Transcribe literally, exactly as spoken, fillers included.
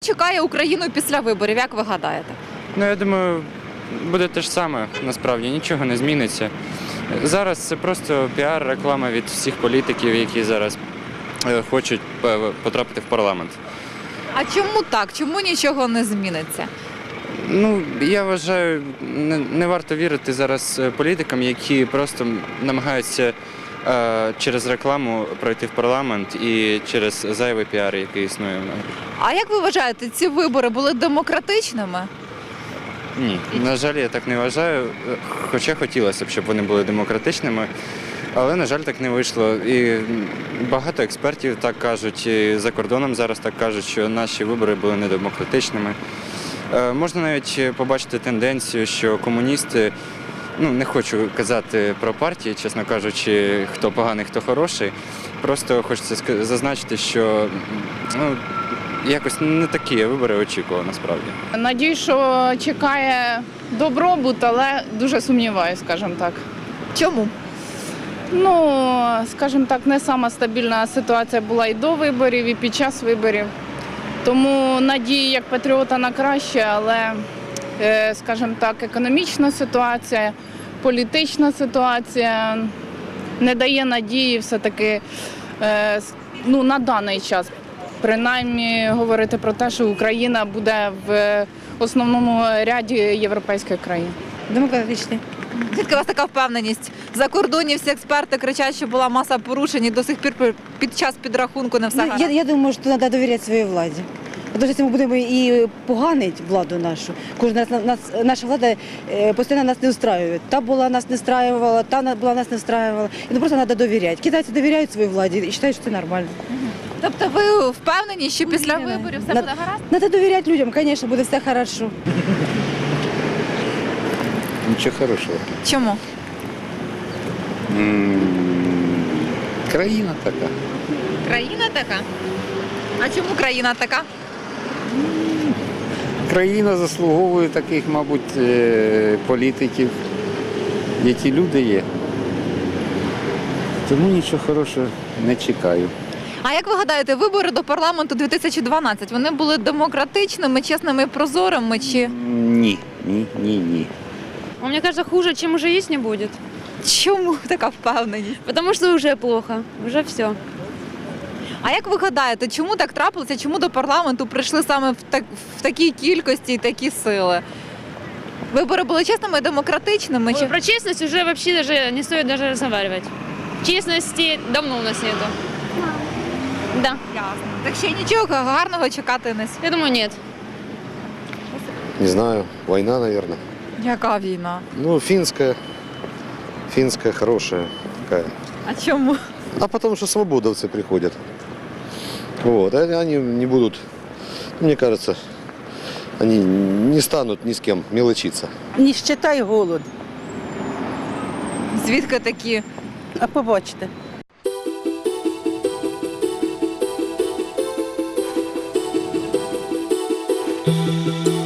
чекає Україну після виборів, як ви гадаєте? Ну, я думаю, буде те ж саме, насправді, нічого не зміниться. Зараз це просто піар, реклама від всіх політиків, які зараз е, хочуть е, потрапити в парламент. А чому так? Чому нічого не зміниться? Ну, я вважаю, не, не варто вірити зараз е, політикам, які просто намагаються е, через рекламу пройти в парламент і через зайвий піар, який існує. А як ви вважаєте, ці вибори були демократичними? Ні, на жаль, я так не вважаю, хоча хотілося б, щоб вони були демократичними, але, на жаль, так не вийшло. І багато експертів так кажуть, і за кордоном зараз так кажуть, що наші вибори були недемократичними. Е, Можна навіть побачити тенденцію, що комуністи, ну, не хочу казати про партії, чесно кажучи, хто поганий, хто хороший, просто хочеться ска- зазначити, що ну, якось не такі вибори очікував насправді. Надію, що чекає добробут, але дуже сумніваюся, скажімо так. Чому? Ну, скажімо так, не сама стабільна ситуація була і до виборів, і під час виборів. Тому надії як патріота на краще, але, е, скажімо так, економічна ситуація, політична ситуація не дає надії все-таки е, с- ну, на даний час. Принаймні говорити про те, що Україна буде в основному ряді європейських країн. Демократичний. Звідки у вас така впевненість? За кордоні всі експерти кричать, що була маса порушень і до сих пір пи- під час підрахунку не все Ну, гаразд. я, я думаю, що треба довіряти своїй владі. Тому що якщо ми будемо і поганити владу нашу, кожна нас, нас, наша влада е, постійно нас не устраює. Та була нас не устраювала, та на- була нас не устраювала. І ну, просто треба довіряти. Китайці довіряють своїй владі і вважають, що це нормально. Тобто ви впевнені, що після Ні, ні. виборів все На- буде гаразд? Треба довіряти людям, звісно, буде все хорошо. Нічого хорошого. Чому? М, Країна така. Країна така? А чому країна така? Країна заслуговує таких, мабуть, е, політиків, які люди є. Тому нічого хорошого не чекаю. А як ви гадаєте, вибори до парламенту дві тисячі дванадцятого, вони були демократичними, чесними і прозорими чи Ні, ні, ні, ні. А мне кажется, хуже, чем уже есть, не будет. чому така впевненість? Потому что уже плохо, уже все. А як ви гадаєте, чому так трапилося? Чому до парламенту прийшли саме в, так, в такій кількості і такі сили? Вибори були чесними і демократичними? Чи... Про честность уже вообще даже не стоит даже разговаривать. Честности давно у нас нету. Да, Ясно. Так ще нічого гарного чекати не слід. я думаю, нет. Не знаю, война, наверное. Яка війна? Ну, финская, финская хорошая такая. А чому? А потому что свободовцы приходят. Вот, а они не будут, мне кажется, они не станут ни с кем мелочиться. Ніщета й голод. Звідки такі? А побачите. Thank you.